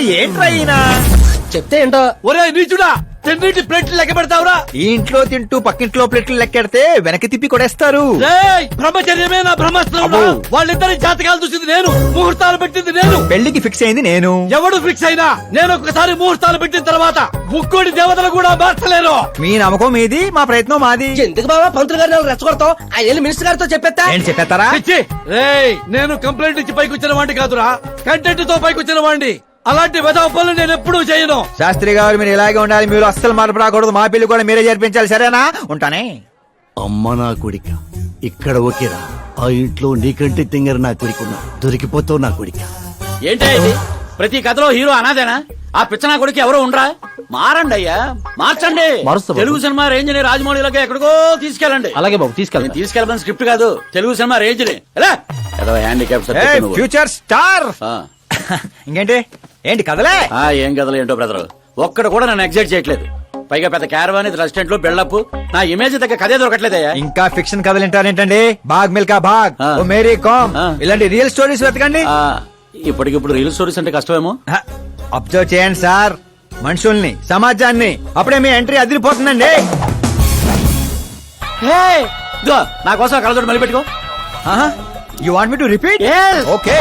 ఏంట్రా ఈయన? చెప్తే ఏంటో. ఒరే నీచుడా, తిన్నింటి ప్లేట్లు లెక్క పెడతావురా? ఈ ఇంట్లో తింటూ పక్కింట్లో ప్లేట్లు లెక్కెడితే వెనక్కి తిప్పి కొడేస్తారు. రేయ్, బ్రహ్మచర్యమే నా బ్రహ్మాస్త్రం. వాళ్ళిద్దరి జాతకాలు చూసింది నేను, ముహూర్తాలు పెట్టింది నేను. పెళ్లికి ఫిక్స్ అయింది నేను. ఎవడు ఫిక్స్ అయినా నేను ఒక్కసారి ముహూర్తాలు పెట్టిన తర్వాత ముక్కోడి దేవతలు కూడా మార్చలేను. మీ నమ్మకం మీది, మా ప్రయత్నం మాది. ఎందుకు బాబా పంతులు గారిని రెచ్చగొడతావు? ఆ వెళ్ళి మినిస్టర్ గారితో చెప్పేస్తా. ఏంటి చెప్పేస్తారా? రేయ్, నేను కంప్లైంట్ ఇచ్చి పైకి వచ్చిన వాడిని కాదురా, కంటెంట్ తో పైకి వచ్చిన వాడిని. అలాంటి వెధవ పనులు నేను ఎప్పుడూ చేయను. శాస్త్రి గారు మీరు ఇలాగే ఉండాలి, మీరు అస్సలు మార్పు రాకూడదు. మా పెళ్లి కూడా మీరే జరిపించాలి, సరేనా? ఉంటానే. అమ్మ నా కొడిక, ఇక్కడ ఓకేరా. ఆ ఇంట్లో నీకంటే తింగర నా కొడుకున్నా, దొరికిపోతావు నా కొడిక. ఏంటో ఇది, ప్రతి కథలో హీరో అనాదేనా? ఆ పిచ్చనా కొడుకు ఎవరో ఉండరా? మారండి అయ్యా, మార్చండి. తెలుగు సినిమా రేంజ్ ని రాజమౌళిలోకి ఎక్కడికో తీసుకెళ్ళండి. అలాగే బాబు, తీసుకెళ్ళండి. తీసుకెళ్ళమని స్క్రిప్ట్ కాదు, తెలుగు సినిమా రేంజ్ ని. ఏదో హ్యాండిక్యాప్ ఫ్యూచర్ స్టార్. ఇంకేంటి ఏంటి కదలే? ఏం కథలు ఏంటో బ్రదర్, ఒక్కడ కూడా నన్ను ఎగ్జైట్ చేయట్లేదు. పైగా పెద్ద క్యారవాన్ రెస్టారెంట్ లో బిల్డప్, నా ఇమేజ్ దగ్గర కథే దొరకట్లేదయ్యా. ఇంకా ఫిక్షన్ కథలు వింటారేంటండి? బాగ్ మిల్కా బాగ్, ఓ మేరీ కామ్, ఇలాంటి రియల్ స్టోరీస్ వెతకండి. ఇప్పటికిప్పుడు రీల్ స్టోరీస్ అంటే కష్టమేమో. అబ్జర్వ్ చేయండి సార్, మనుషుల్ని, సమాజాన్ని. అప్పుడే మీ ఎంట్రీ అదిరిపోతుందండి. నా కోసం కళ్ళతోటి మళ్ళీ పెట్టుకో. You want me to repeat? Okay.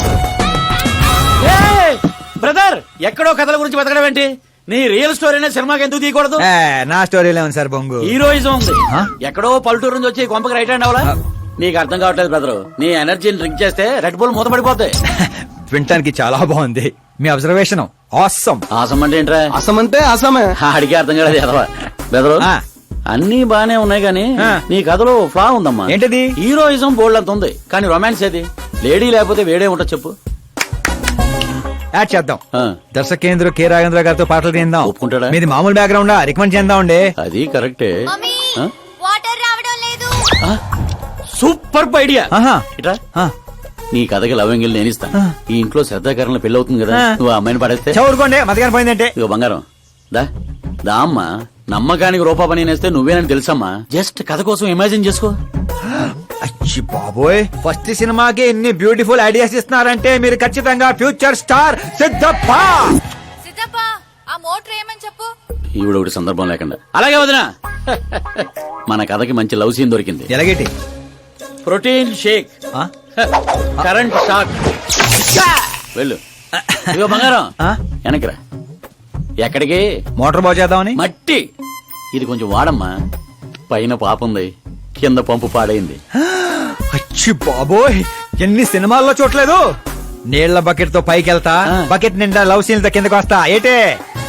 Brother, ఎక్కడో కథల గురించి బతకడం ఏంటి? నీ రియల్ స్టోరీనే సినిమాకి ఎందుకు తీయకూడదు? నా స్టోరీలో ఉంది సార్ బొంగు. హీరోయిజం ఉంది. ఎక్కడో పల్లెటూరు నుంచి వచ్చి కొంపకి రైట్ హ్యాండ్ అవ్వాలా? నీకు అర్థం కావట్లేదు బ్రదర్. నీ ఎనర్జీని డ్రింక్ చేస్తే రెడ్ బుల్ మూతపడిపోతాయి. వినటానికి చాలా బాగుంది మీ అబ్జర్వేషన్. ఆసమ్. ఆసం అంటే ఏంట్రా? అసం అంటే అసమే. అడిగి అర్థం కాలేదు ఎదవా. బెదరు, అన్ని బానే ఉన్నాయి గానీ నీ కథలో ఫ్లా ఉందమ్మా. ఏంటది? హీరోయిజం బోల్డ్ అంత ఉంది, కానీ రొమాన్స్ ఏది? లేడీ లేకపోతే వేడే ఉంటుంది చెప్పు. యాడ్ చేద్దాం. దర్శకేంద్ర కె రాఘవేంద్ర గారితో పాటలు తీద్దాం. ఒప్పుకుంటాడా? మీది మామూలు బ్యాక్గ్రౌండ్, రికమెండ్ చేద్దాం అండి. అది కరెక్టే. వాటర్ రావడం లేదు. Super idea. ఇట్రా, ఆ, నీ కథకి లవ్ ఎంగిల్ నేను ఇస్తాను. ఈ ఇంట్లో శ్రద్ధాకరణ పెళ్లి అవుతుంది కదా, నువ్వు ఆ అమ్మాయిని పడేస్తే. చదువుకోండి, మతగాని పోయిందంటే. ఇక బంగారం దా దా అమ్మా. నమ్మకానికి రూపా పని నేస్తే నువ్వేనని తెలుసమ్మా. జస్ట్ కథ కోసం ఇమాజిన్ చేసుకో. అచ్చి బాబోయ్, ఫస్ట్ సినిమాకి ఎన్ని బ్యూటిఫుల్ ఐడియాస్ ఇస్తున్నారంటే మీరు ఖచ్చితంగా ఫ్యూచర్ స్టార్ సిద్ధప్ప. సిద్ధప్ప, ఆ మోటర్ ఏమని చెప్పు. ఈవిడ ఒకటి సందర్భం లేకుండా. అలాగే వదినా, మన కథకి మంచి లవ్ సీన్ దొరికింది. ఎలాగేటి? Protein shake, current shock. వెళ్ళు. ఇదిగో బంగారం, వెనక్కిరా. ఎక్కడికి? మోటార్ బాగు చేద్దామని. మట్టి ఇది కొంచెం వాడమ్మా. పైన పాపుంది, కింద పంపు పాడైంది. అచ్చి బాబోయ్, ఎన్ని సినిమాల్లో చూడలేదు. నీళ్ల బకెట్ తో పైకి వెళ్తా, బకెట్ నిండా లవ్ సీన్ తో కిందకి వస్తా. ఏటే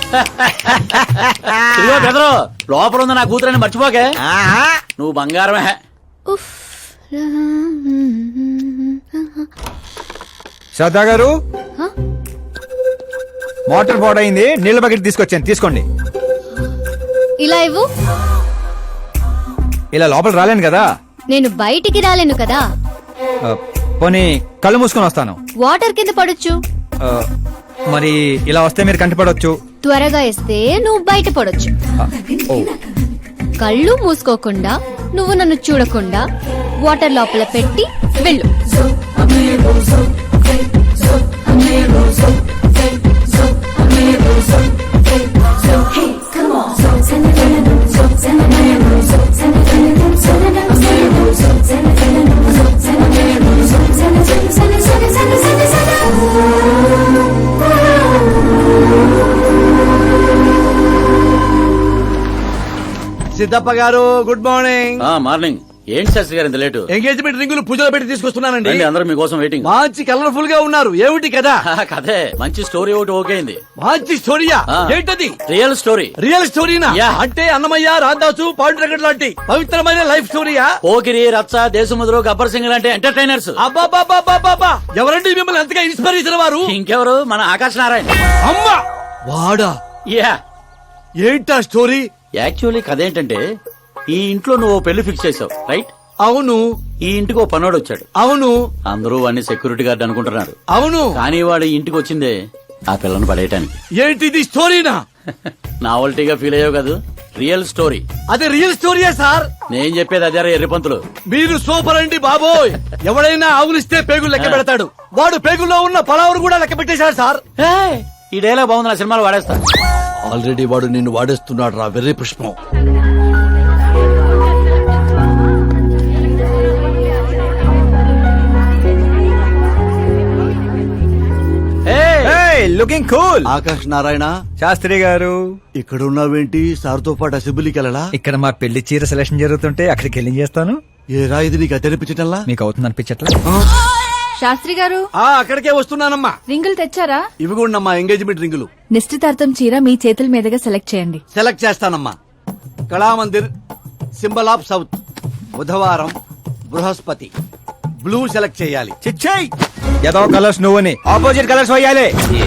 బెదరు, లోపల ఉంది నా కూతురని మర్చిపోకే. నువ్వు బంగారమే. శ్రద్ధా గారు, మోటార్ పాడైంది, నీళ్ల బకెట్ తీసుకొచ్చాను, తీసుకోండి. ఇలా ఇవ్వు. ఇలా లోపల రాలేను కదా. నేను బయటికి రాలేను కదా. పోనీ కళ్ళు మూసుకొని వస్తాను. వాటర్ కింద పడొచ్చు. మరి ఇలా వస్తే మీరు కంటిపడవచ్చు. త్వరగా ఇస్తే నువ్వు బయట పడొచ్చు. కళ్ళు మూసుకోకుండా, నువ్వు నన్ను చూడకుండా వాటర్ లోపల పెట్టి వెళ్ళు. సిద్ధప్ప గారు, గుడ్ మార్నింగ్. మార్నింగ్. ఏంటి శాస్త్రి గారు ఇంత లేటు? ఎంగేజ్మెంట్ రింగులు పూజలో పెట్టి తీసుకొస్తున్నానండి. అందరూ మీకోసం వెయిటింగ్. మంచి కలర్ఫుల్ గా ఉన్నారు. ఏమిటి కదా? కథే మంచి స్టోరీ ఒకటి ఓకే అయింది. మంచి స్టోరీయా? ఏంటది? Real story. రియల్ స్టోరీనా? అంటే అన్నమయ్య, రాధాసు, పాండురంగడ్ లాంటి పవిత్రమైన లైఫ్ స్టోరీయా? పోకిరి, రచ్చ, దేశముద్రు, గబ్బర్ సింగ్ లాంటి ఎంటర్టైనర్స్. అబ్బాబాబాబాబా, ఎవరండి మిమ్మల్ని ఎంతగా ఇన్స్పైర్ చేసిన వారు? ఇంకెవరు, మన ఆకాశ్ నారాయణ. అమ్మా వాడా? యా. ఏంటా స్టోరీ? యాక్చువల్లీ కథ ఏంటంటే, ఈ ఇంట్లో నువ్వు పెళ్లి ఫిక్స్ చేసావు, రైట్? అవును. ఈ ఇంటికి ఓ పనోడు వచ్చాడు. అవును. అందరూ వాడిని సెక్యూరిటీ గార్డ్ అనుకుంటున్నారు. అవును. కానీ వాడు ఇంటికి వచ్చిందే ఆ పిల్లను పడేయటానికి. ఏంటిది స్టోరీనా? నావల్టీగా ఫీల్ అయ్యావు కదా. Real story. అదే రియల్ స్టోరీయా సార్? నేను చెప్పేది అదే ఎర్రిపంతులు. మీరు సూపర్ అండి బాబోయ్. ఎవడైనా ఆవులిస్తే పేగులు లెక్క పెడతాడు. వాడు పేగుల్లో ఉన్న పలావురు కూడా లెక్క పెట్టేశాడు సార్. ఈ డైలాగ్ బాగుంది, నా సినిమాలో వాడేస్తా. ఆల్రెడీ వాడు నిన్ను వాడేస్తున్నాడు రా వెర్రి పుష్పం. Looking cool. ఆకాష్ నారాయణ శాస్త్రి గారు ఇక్కడ ఉన్నావేంటి? సార్తో పాటు అసెంబ్లీకి వెళ్ళలా? ఇక్కడ మా పెళ్లి చీర సెలక్షన్ జరుగుతుంటే అక్కడికి వెళ్ళి చేస్తాను. ఏ రా ఇది నీకు తెరిపించటంలా? మీకు అవుతుంది అనిపించట్లా? శాస్త్రి గారు అక్కడికే వస్తున్నానమ్మా. రింగులు తెచ్చారా? ఇవి కూడా మా ఎంగేజ్మెంట్ రింగులు. నిశ్చితార్థం చీర మీ చేతుల మీదుగా సెలెక్ట్ చేయండి. సెలెక్ట్ చేస్తానమ్మా. కళామందిర్, సింబల్ ఆఫ్ సౌత్, బుధవారం, బృహస్పతి. బ్లూ సెలెక్ట్ చేయాలి. చిచ్చాయి ఏదో కలర్స్ నువ్వుని ఆపోజిట్ కలర్స్ వేయాలి.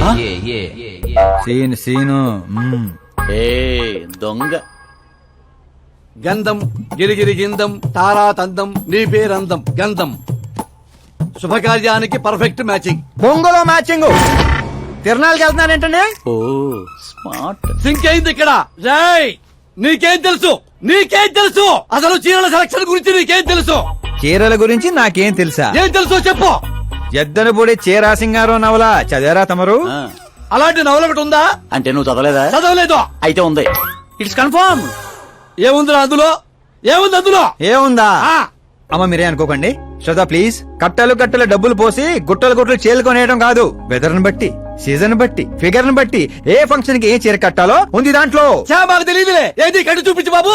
సీను ఏ దొంగ. గంధం, గిరిగిరి గిందం, తారా తందం, నీ పేరందం గంధం. శుభకార్యానికి పర్ఫెక్ట్ మ్యాచింగ్. బొంగులో మ్యాచింగ్. తిరణాలకి వెళ్తున్నానంటే ఓ స్మార్ట్. సింక్ అయింది ఇక్కడ. జై నీకేం తెలుసు? నీకేం తెలుసు? అసలు చీరల సెలక్షన్ గురించి నీకేం తెలుసు? చీరల గురించి నాకేం తెలుసా? ఏం తెలుసో చెప్పు. ఎద్దను పొడి చీర సింగారం నవల చదివారా తమరు? ఆ, అలాంటి నవల ఒకటి ఉందా? అంటే నువ్వు చదవలేదా? చదవలేదు. అయితే ఉంది. It's confirm. ఏముందిరా అందులో? ఏముంది అందులో? ఏముందా? ఆ, అమ్మ మీరే అనుకోకండి. శ్రద్ధ ప్లీజ్. కట్టలు కట్టలు డబ్బులు పోసి గుట్టలు గుట్టలు చీరలు కొనేయడం కాదు. వెదర్ ని బట్టి, సీజన్ బట్టి, ఫిగర్ ని బట్టి ఏ ఫంక్షన్ కి ఏ చీర కట్టాలో ఉంది దాంట్లో. చా మాకు తెలియదులే. ఏది కట్టు చూపించు బాబు.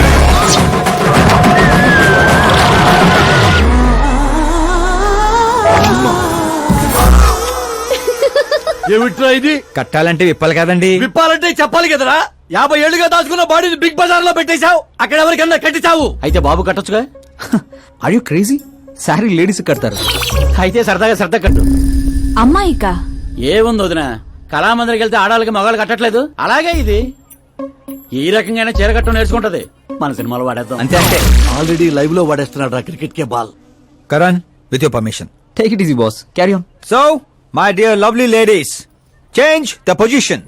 ఏమిట్రా ఇది? కట్టాలంటే విప్పాలి కదండి. విప్పాలంటే చెప్పాలి కదరా. 50 ఏళ్లుగా దాచుకున్న బాడీని బిగ్ బజార్ లో పెట్టేశావు. అక్కడ ఎవరికన్నా కట్టించావు. అయితే బాబు కట్టొచ్చుగా. Are you crazy? Sorry ladies కడతారు. అయితే సరదాగా శ్రద్ధ కట్టు. అమ్మాయిక ఏముంది వదిన, కళామందిరికి వెళ్తే ఆడాలకి మగాళ్ళు కట్టట్లేదు, అలాగే ఇది ఈ రకంగా చీర కట్టడం నేర్చుకుంటది. మన సినిమాలో వాడేద్దాం. అంతే అంతే. ఆల్రెడీ లైవ్ లో వాడేస్తున్నాడు రా క్రికెట్ కే ball. Karan with your permission. Take it easy, boss. Carry on. So my dear lovely ladies, change the position.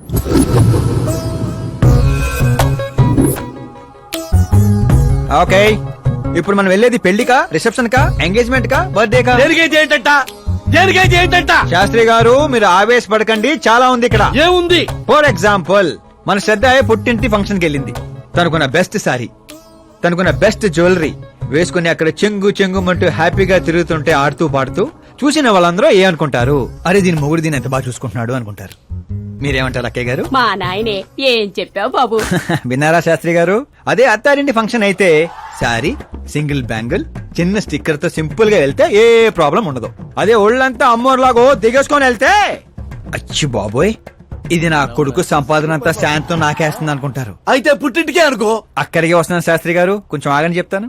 Okay, ఇప్పుడు మనం వెళ్ళేది పెళ్లికా, రిసెప్షన్ కా, ఎంగేజ్మెంట్ కా, బర్త్డే కా? దేనికైతే ఏంటంట? దేనికైతే ఏంటంట? శాస్త్రి గారు మీరు ఆవేశపడకండి, చాలా ఉంది ఇక్కడ. ఏముంది? ఫర్ ఎగ్జాంపుల్ మన శ్రద్ధ పుట్టింటి ఫంక్షన్ కి వెళ్ళింది. తనకున్న బెస్ట్ సారీ, తనకున్న బెస్ట్ జ్యువెలరీ వేసుకుని అక్కడ చెంగు చెంగుమంటూ హ్యాపీగా తిరుగుతుంటే ఆడుతూ పాడుతూ చూసిన వాళ్ళందరూ ఏ అనుకుంటారు? అరే దీని మొగుడు దీన్ని ఎంత బాగా చూసుకుంటున్నాడు అనుకుంటారు. మీరేమంటారు అక్కయ్య గారు? మా నాయనే ఏం చెప్పావు బాబు. విన్నారా శాస్త్రి గారు? అదే అత్తారింటి ఫంక్షన్ అయితే సారీ, సింగిల్ బ్యాంగిల్, చిన్న స్టిక్కర్ తో సింపుల్ గా వెళ్తే ఏ ప్రాబ్లం ఉండదు. అదే ఒళ్ళంతా అమ్మోర్లాగో దిగేసుకొని వెళ్తే అచ్చి బాబోయ్ ఇది నా కొడుకు సంపాదన అంతా శాంతం నాకేస్తుంది అనుకుంటారు. అయితే పుట్టింటికే అనుకో. అక్కడికి వస్తున్నాను శాస్త్రి గారు, కొంచెం ఆగని చెప్తాను.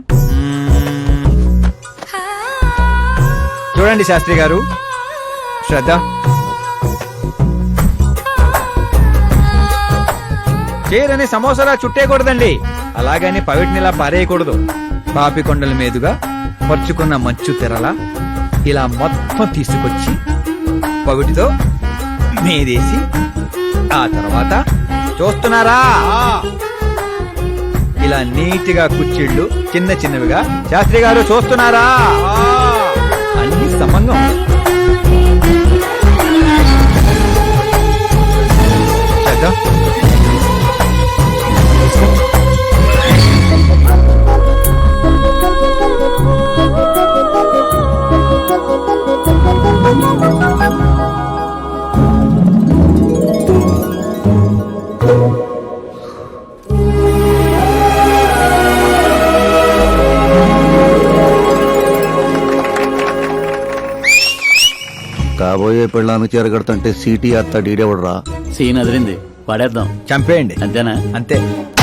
చూడండి శాస్త్రి గారు, శ్రద్ధ చీరని సమోసాలా చుట్టేయకూడదండి, అలాగని పవిటినిలా పారేయకూడదు. పాపికొండల మీదుగా పరుచుకున్న మంచు తెరలా ఇలా మొత్తం తీసుకొచ్చి పవిటితో మీదేసి ఆ తర్వాత చూస్తున్నారా ఇలా నీట్గా కుచ్చిళ్ళు చిన్న చిన్నవిగా. శాస్త్రి గారు చూస్తున్నారా? అన్ని సమంగా శ్రద్ధ. కాబోయే పెళ్ళానికి చేరగడుతుంటే సిటీ అత్త డీడేవడరా. సీన్ అదిరింది, వాడేద్దాం. చంపేయండి. అంతేనా? అంతే.